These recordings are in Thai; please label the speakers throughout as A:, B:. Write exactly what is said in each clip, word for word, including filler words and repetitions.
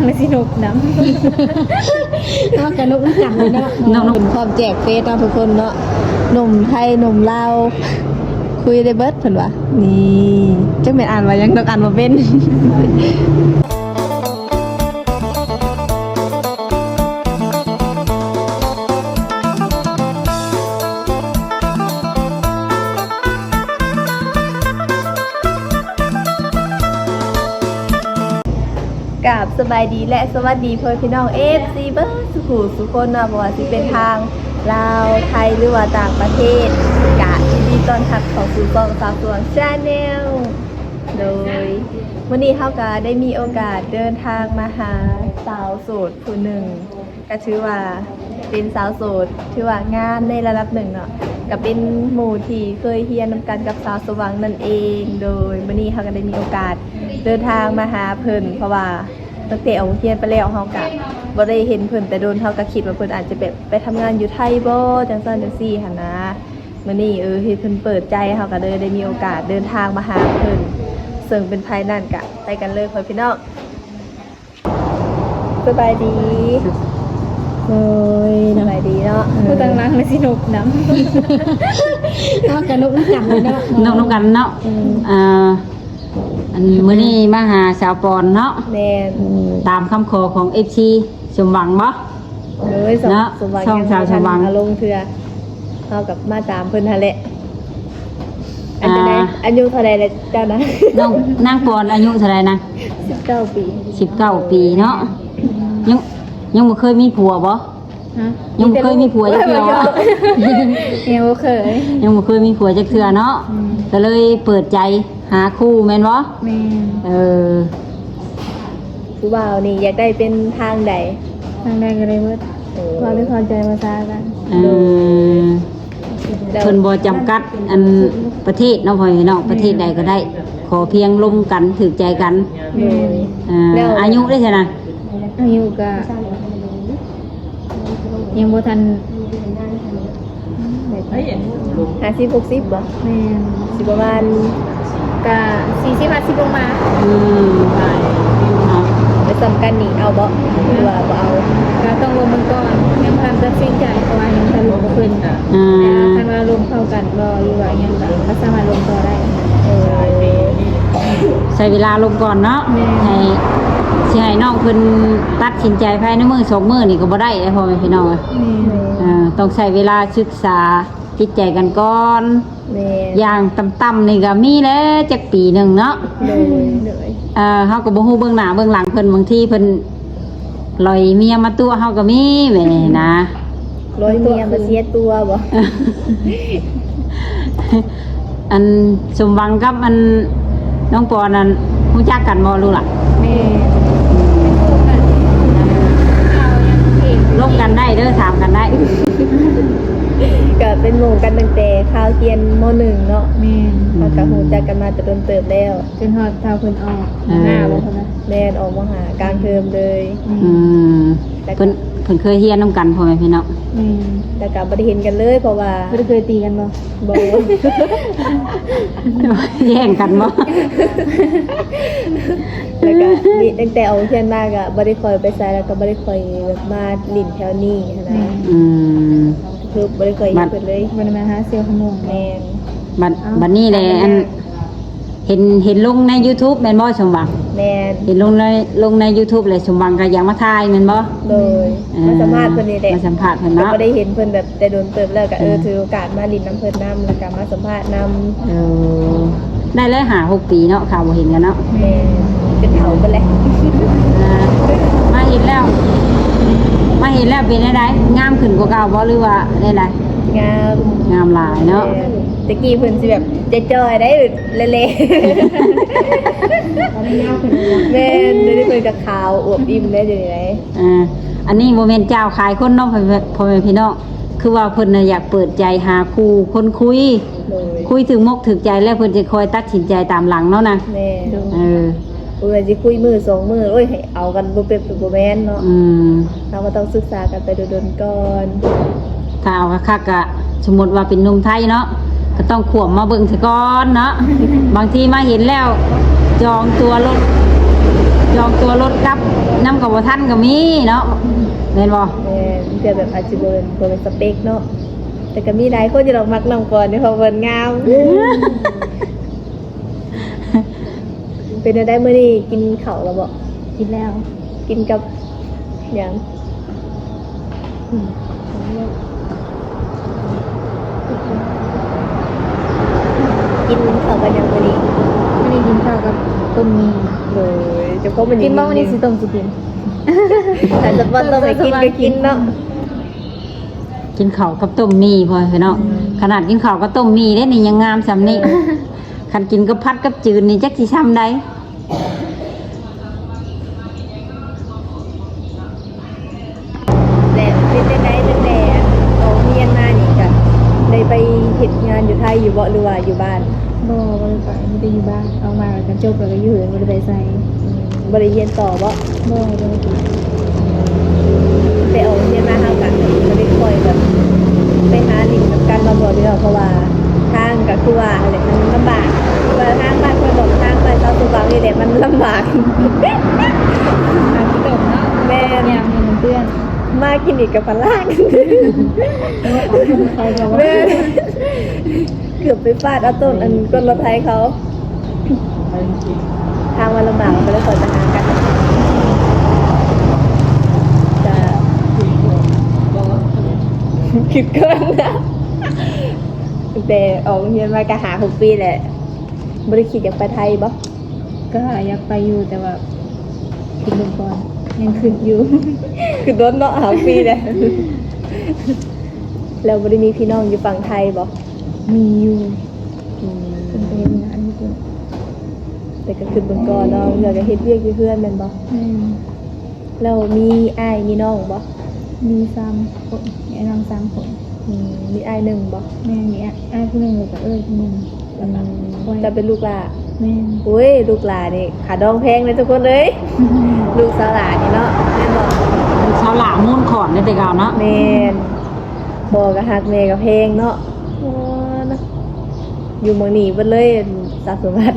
A: ไม่สินุกน้ำก็กระนุกจังเลยเนาะน้องๆพร้อมแจกเฟซเนาะทุกคนเนาะหนุ่มไทยหนุ่มลาวคุยได้เบิดเพิ่นว่านี่จังแม่นอ่านว่ายังต้องอ่านบ่เป็นกราบสบายดีและสวัสดีพ่อพี่น้อง เอฟ ซี เบิร์ดสุขุสุขคนนะบ่ว่าสิเป็นทางลาวไทยหรือว่าต่างประเทศกะยินดีต้อนรับเข้าสู่ช่องสาวสวงชาแนลโดยวันนี้เฮาก็ได้มีโอกาสเดินทางมาหาสาวโสดผู้หนึ่งก็ถือว่าเป็นสาวโสดถือว่างามในระดับหนึ่งเนาะก็เป็นหมู่ที่เคยเฮียนนำกันกับสาวสว่างนั่นเองโดยวันนี้เฮาก็ได้มีโอกาสเดินทางมาหาเพิ่นเพราะว่าตั้งแต่เอาเฮียนไปแล้วเฮาก็บ่ได้เห็นเพิ่นแต่โดนเฮาก็คิดว่าเพิ่นอาจจะแบบไปทำงานอยู่ไทยบ่จังซั่นจังซี่หั่นนะมื้อนี้เออเฮ็ดเพิ่นเปิดใจเฮาก็เลยได้มีโอกาสเดินทางมาหาเพิ่นซึ่งเป็นภายนั่นก็ไปกันเลยพ่อพี่น้องสบายดีโอ้ยสบายดีเนาะผู้ตั้งรักไม่สินุกน้ำก็กระนุกจังเลยเนาะ
B: น้องน้องกันเนาะอ่าอันมื้อนี้มาหาสาวปอนเนาะ
A: แม่น
B: ตามคำขอของ เอฟ ซี สมหวังบ่
A: เอ้ยสมสมหวังยังสมหวังอารมณ์เทื่อเฮากับมาตามเพิ่นหั่นแหละอันใดอายุเท่าใดแล้วเจ้านะ
B: น้องนางปอนอายุเท่าไหร่นะ
A: สิบเก้าปี
B: สิบเก้าปีเนาะยังยังบ่เคยมีผัวบ่
A: ฮะ
B: ยังบ่เคยมีผัวจักเทื่อ
A: ยังบ่เคย
B: ยังบ่เคยมีผัวจักเทื่อเนาะก็เลยเปิดใจหาคู่แม่นบ่
A: แม่น
B: เออ
A: ผู้บ่าวนี่อยากได้เป็นทางใดทางใดก็ได้เบิดความไม่พอใจมาซากัน
B: เออเพิ่นบ่จำกัดอันประเทศเนาะพ่อพี่น้องประเทศใดก็ได้ขอเพียงร่วมกันถูกใจกันเอออายุได้ซั่นน่ะ
A: อายุก็ยังบ่ทันห้าสิบ หกสิบบ่แม่นสิประมาณก็สี่สิบ ห้าสิบลงมา
B: อืม
A: ไปสำคัญนี่เอาบ่หรือว่าบ่เอาก็ต้องลงมันก่อนยังบ่ทันตัดสินใจเพราะว่ายังทันลงบ่เพิ่นอ่าคันว่าลงเข้ากันบ่หรือว่ายังก็สามารถลงต่อได้เออ
B: ใช้เวลาลงก่อนเนาะให้สิให้น้องเพิ่นตัดสินใจภายในมื้อสองมื้อนี่ก็บ่ได้เด้อพ่อแม่พี่น้องเออต้องใช้เวลาศึกษาจิตใจกันก่อนอย่างต่ำๆนี่ก็มีแล้วจักปีหนึ่งเนาะเลยเออเฮาก็บ่ฮู้เบื้องหน้าเบื้องหลังเพิ่นบางทีเพิ่นลอยเมียมาตัวเฮาก็มีแม่นะ
A: ลอยเมียมาเสียตัวบ่
B: อันสมหวังกับอันน้องปอนั่นรู้จักกันบ่รู้ล่ะแม่ลงกันได้เด้อถามกันได้
A: ก็เป็นหมู่กันตั้งแต่ข้าวเรียนม.หนึ่ง เนาะแม่นแล้วก็ฮู้จักกันมาแต่โดนเติบแล้วจนฮอดท้าเพิ่นออกหน้าบ่เพิ่นนะแม่นออกมาหากลางเทอมเลย
B: อืมเพิ่นเพิ่นเคยเรียนนำกันพ่อแม่พี่น้อง
A: อืมแต่ก็บ่ได้เห็นกันเลยเพราะว่าบ่ได้เคยตีกันบ่บ่
B: แย่งกันบ่
A: แล้วก็นี่ตั้งแต่เอาเรียนมาก็บ่ได้ค่อยไปไสแล้วก็บ่ได้ค่อยแบบมาลิ้นแถวนี้นะ
B: อืม
A: คือบริการเปิดเลยบริมาหาเซลล์ขนมแมน
B: บัดบัดนี้เลยอันเห็นเห็นลงใน YouTube แม่นบ่สมหวัง
A: แมน
B: เห็นลงในลงใน YouTube เลยสมหวังก็อยากมาถ่ายแม่นบ่
A: โดยมาสัมภาษณ์เพิ่นนี่แหละ
B: มาสัมภาษณ์เพิ่นเนาะ
A: ก็ได้เห็นเพิ่นแบบแต่โดนเติบแล้วก็เออถือโอกาสมาลิ้นน้ำเพิ่นนำแล้วก็มาสัมภาษณ์นำ
B: เออได้เลยหาหกปีเนาะข่าวบ่เห็นกันเนาะ
A: แม่เป็นเฒ่าเพิ่นแหละ
B: มาเห็นแล้วมาเห็นแล้วเป็นได้งามขึ้นกว่าเก่าบ่หรือว่าได้ได
A: งาม
B: งามหลายเนาะ
A: ตะกี้เพิ่นสิแบบจอยๆได้เละๆแม่นได้เพิ่นก็ขาวอวบอิ่มได้อยู่ไหน
B: อ่าอันนี้บ่แม่นเจ้าขายคนเนาะพ่อแม่พี่น้องคือว่าเพิ่นน่ะอยากเปิดใจหาคู่คนคุยคุยถึงมกถึงใจแล้วเพิ่นจะคอยตัดสินใจตามหลังเนาะนะ
A: แม่
B: เออ
A: โอ้ยสิคุยมือสองมือโอ้ยให้เอากันบ่เป็นบ่แม่นเนาะ
B: อืม
A: เราก็ต้องศึกษากันไปโดนๆก่อน
B: ถ้าเอาคักๆก็สมมุติว่าเป็นหนุ่มไทยเนาะก็ต้องขวบมาเบิ่งซะก่อนเนาะบางทีมาเห็นแล้วจองตัวรถจจองตัวรถกลับน้ำกับบ่ทันก็มีเนาะแม่นบ่
A: แม่นเพื่อแบบอาจจะบ่เป็นบ่เป็นสเปคเนาะแต่ก็มีหลายคนที่เรามักน้องก่อนที่เขาเบิ่นงาม เป็นได้มื้อนี้กินข้าวแล้วบ่
C: กินแล้ว
A: กินกับหยังกินข้าวกับหยังมื้อนี้
C: ไม่ได้กินข้าวกับต้มมี
A: โดยเฉพาะมัน
C: กินบ้างวันนี้สิต้มสิกิน
A: แต่สปอนต้องไปกินก็กินเนาะ
B: กินข้าวกับต้มมีพอพี่น้องขนาดกินข้าวกับต้มมีได้นี่ยังงามซำนี้คันกินกับพัดกับจืดนี่จักสิซ้ำใด
A: แต่เป็นจังได๋ตั้งแต่เอาเรียนมานี่ก็ได้ไปเฮ็ดงานอยู่ไทยอยู่บ่หรือว่าอยู่บ้าน
C: บ่บ่ได้ไปไม่ได้อยู่บ้านเอามาแล้วกันจบแล้วก็อยู่เหินบ่ได้ไปใส่
A: บ่ได้เรียนต่อบ่
C: บ่บ่ได้กิน
A: ไปเอาเรียนมาเฮาก็บ่ได้ค่อยแบบไปหาลิงกับกันมาบ่เด้อเพราะว่าทางก็คือว่าอะไรมันลำบากว่าทางบ้านเพิ่นบอกทางไปเซาตุบางนี่แหละมันลำบาก
C: อาที่ต้มเนาะ
A: แม่น
C: ยามมีเพื่อน
A: มากินอีกกับพลาก
C: ใครก็ว่า
A: แม่เกือบไปฟาดเอาต้นอันก้นรถไทยเขา ทางวันลำบากไปแล้วคอยจะหากันจะคิดเกินนะแต่ออกเรียนมากะหาหกปีแหละบริคิดอยากไปไทยบ่
C: ก็อยากไปอยู่แต่ว่ากินลงก่อนยังขึ้นอยู่
A: คือโดนเนาะหาปีเลยแล้วบริมีพี่น้องอยู่ฝั่งไทยบ่
C: มีอยู่
A: อืม
C: เป็นไปเฮ็ดงานอยู่ตัว
A: แต่ก็คือเบิ่งก่อนเนาะเดี๋ยวก็เฮ็ดเวียกอยู่เพื่อนแม่นบ่
C: แม่น
A: แล้วมีอ้ายมีน้องบ่
C: มีสามคนมีไอ้น้องสามคน
A: อืมมีอ้ายหนึ่งบ่
C: แม่มีอ้ายผู้หนึงแล้วก็เอ้ยผู้หนึงแล้วก็คอย
A: จะเป็นลูกหลา
C: แม่น
A: อุ้ยลูกหลานี่ขาดองแพงเลยทุกคนเลย ลูกสาวหลานี่เนาะแม่นบ่
B: ชาวหลามูนขอนในแต่เก่าเนาะ
A: แม่นบ่ก็ฮักแม่ก็เพลงเนาะโอ้เนาะอยู่เมืองนี้เบิดเลยสะสมบัติ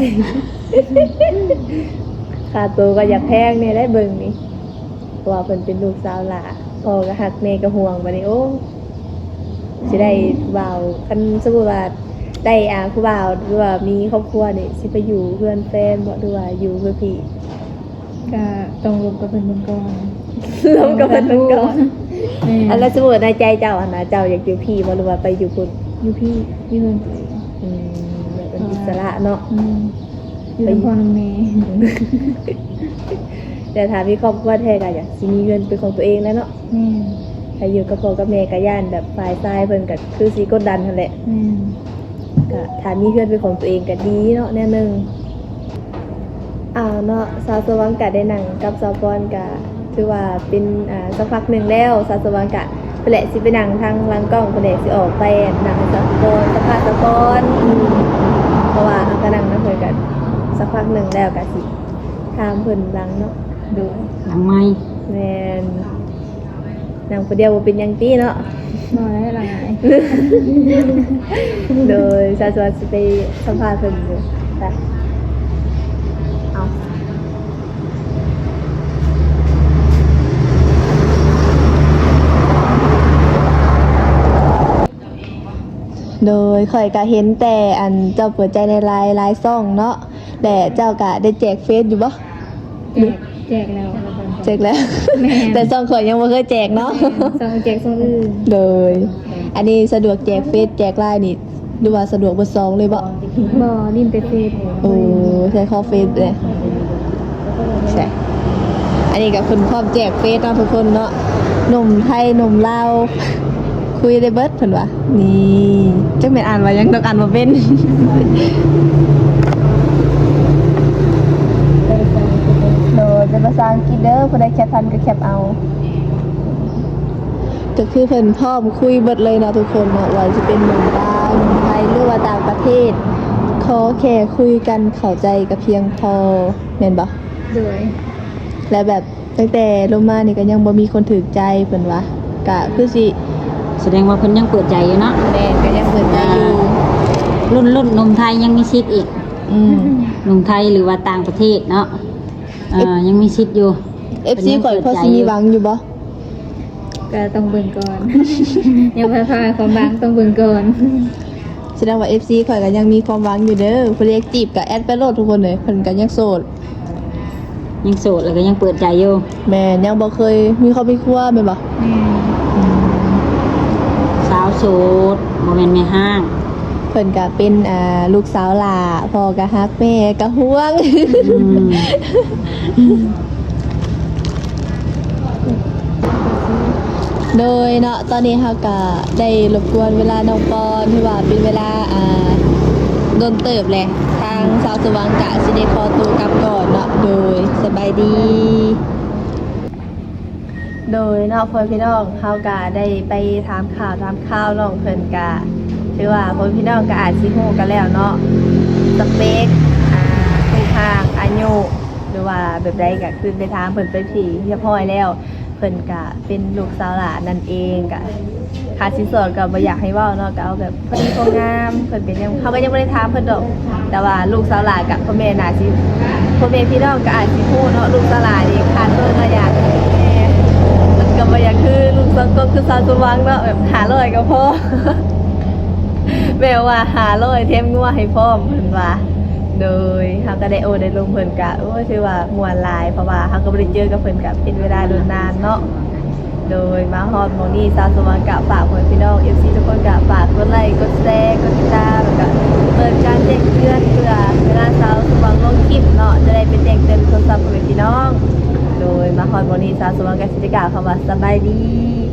A: ค่าตัวก็อยากแพงแน่ได้เบิ่งนี่เพราะว่าเพิ่นเป็นลูกสาวหลาพ่อก็ฮักแม่ก็ห่วงบัดนี้โอ้สิได้บ่าวคันสมมุติว่าได้อาผู้บ่าวหรือว่ามีครอบครัวนี่สิไปอยู่เพื่อนแฟนบ่หรือว่าอยู่เพื่อพี่
C: ก็ต้องรวมกับเพิ่นเบิ่งก่อน
A: ล้มกับเพิ่นเบิ่งก่อน
C: แม่
A: อันแล้วสมมุติในใจเจ้าอันนะเจ้าอยากอยู่พี่บ่หรือว่าไปอยู่พุ่น
C: อยู่พี่อยู่เพิ่น
A: อืมแบบเป็นอิสระเนาะ
C: อืมอยู่กับพ่อกับแม่
A: แต่ถ้ามีครอบครัวแท้ก็อยากสิมีเงินเป็นของตัวเองแล้วเนาะ
C: แม่
A: ถ้าอยู่กับพ่อกับแม่ก็ย่านแบบฝ่ายซ้ายเพิ่นก็คือสิกดดันนั่นแหละ
C: แม่
A: ก็ถ้ามีเพื่อนเป็นของตัวเองก็ดีเนาะแน่นึงอ้าวเนาะสาวสว่างกะได้หนังกับสาวปอนกะถือว่าเป็นอ่าสักพักหนึงแล้วสาวสว่างกะเพิ่นแหละสิไปนั่งทางหลังกล้องเพิ่นแหละสิออกไปหนังสาวปอนสักพักสาวปอนเพราะว่าเฮาก็นั่งนำเพิ่นกันสักพักหนึงแล้วก็สิถามเพิ่นหลังเนาะ
C: ดู
B: หลังไม้
A: แม่นนั่งผู้เดียวบ่เป็นหยังติเนาะ
C: บ่ได้หลาย
A: โดยสาวสว่างสิไปสัมภาษณ์เพิ่นอยู่ไปเอา โดยข่อยก็เห็นแต่อันเจ้าเปิดใจในไลน์ไลน์ซ่องเนาะแต่เจ้าก็ได้แจกเฟซอยู่บ่
C: แจกแจกแล้ว
A: แจกแล้ว
C: แม่
A: แต่ซ่องข่อยยังบ่เคยแจกเนาะ
C: ส่งแจกส่งอื่น
A: โดย อันนี้สะดวกแจกเฟซแจกไลน์นี่หรือว่าสะดวกเบอร์สองเลยบ่
C: บ่ลิ้นแต่เฟซ
A: โอ้ใช้ข้อเฟซเลยใช่อันนี้ก็เพิ่นพร้อมแจกเฟซเนาะทุกคนเนาะหนุ่มไทยหนุ่มลาวคุยได้เบิดเพิ่นว่านี่จักแม่นอ่านว่ายังต้องอ่านบ่เป็น โดยเป็นภาษาอังกฤษเด้อผู้ใดแคปทันก็แคปเอา ก็คือเพิ่นพร้อมคุยเบิดเลยเนาะทุกคนเนาะว่าจะเป็นหนุ่มลาวหนุ่มไทยหรือว่าต่างประเทศขอแค่คุยกันเข้าใจก็เพียงพอแม่นบ่
C: โดย
A: และแบบตั้งแต่ลงมานี่ก็ยังบ่มีคนถูกใจเพิ่นว่าก็คือสิ
B: แสดงว่าเพิ่นยังเปิดใจอยู่เนาะ
A: แม่นก็ยังเปิดใจอยู่
B: รุ่นรุ่นหนุ่มไทยยังมีสิทธิ์อีก
A: อืม
B: หนุ่มไทยหรือว่าต่างประเทศเนาะอ่ายังมีสิทธิ์อยู่
A: เอฟซีข่อยพอสิมีหวังอยู่บ่
C: ก็ต้องเบิ่งก่อน ยังพาพาความบางต้องเบิ่งก่อน
A: แสดงว่า เอฟ ซี ข่อยก็ยังมีความหวังอยู่เด้อเพิ่นเรียกจีบก็แอดไปโลดทุกคนเลยเพิ่นก็ยังโสด
B: ยังโสดแล้วก็ยังเปิดใจอยู่
A: แม่นยังบ่เคยมีครอบมีครัวแม่นบ่
B: สาวโสดบ่แม่นแม่ห้าง
A: เพิ่นก็เป็นอ่าลูกสาวหล่าพ่อก็ฮักแม่ก็ห่วง
B: อืม
A: โดยเนาะตอนนี้เฮาก็ได้รบกวนเวลาน้องปอนที่ว่าเป็นเวลาอ่าโดนเติบแหละทางสาวสว่างกะสิได้ขอตัวกลับก่อนเนาะโดยสบายดี โดยเนาะพ่อพี่น้องเฮาก็ได้ไปถามข่าวถามข่าวน้องเพิ่นก็ถือว่าพ่อพี่น้องก็อาจสิฮู้กันแล้วเนาะสเปคอ่าคู่ทางอายุหรือว่าแบบใดก็คือไปถามเพิ่นไปผีเรียบร้อยแล้วเพิ่นก็เป็นลูกสาวหลานนั่นเองก็ค่าสินสอดก็บ่อยากให้เว้าเนาะก็เอาแบบพอดีพองามเพิ่นเป็นยังเขาก็ยังบ่ได้ถามเพิ่นดอกแต่ว่าลูกสาวหลานกับพ่อแม่น่าสิพ่อแม่พี่น้องก็อาจสิฮู้เนาะลูกสาวหลานนี่ขาดเพิ่นมาอยากแม่ มันก็บ่อยากคือลูกสังก็คือสาวสว่างเนาะแบบหาร้อยก็พอ แม่ว่าหาร้อยเทมงัวให้พร้อมเพิ่นว่าโดยเฮาก็ได้โอได้ลงเพิ่นกะโอ้ยถือว่าม่วนหลายเพราะว่าเฮาก็บ่ได้เจอกับเพิ่นกะเป็นเวลาโดนนานเนาะโดยมาฮอดหม้องนี้สาวสว่างกะฝากเพิ่นพี่น้อง เอฟ ซี ทุกคนกะฝากกดไลค์กดแชร์กดติดตามแล้วก็เปิดการแจ้งเตือนเพื่อเวลาสาวสว่างลงคลิปเนาะจะได้เป็นแจ้งเตือนโทรศัพท์เพิ่นพี่น้อง โดยมาฮอดหม้องนี้สาวสว่างกะสิได้กล่าวคำว่าสบายดี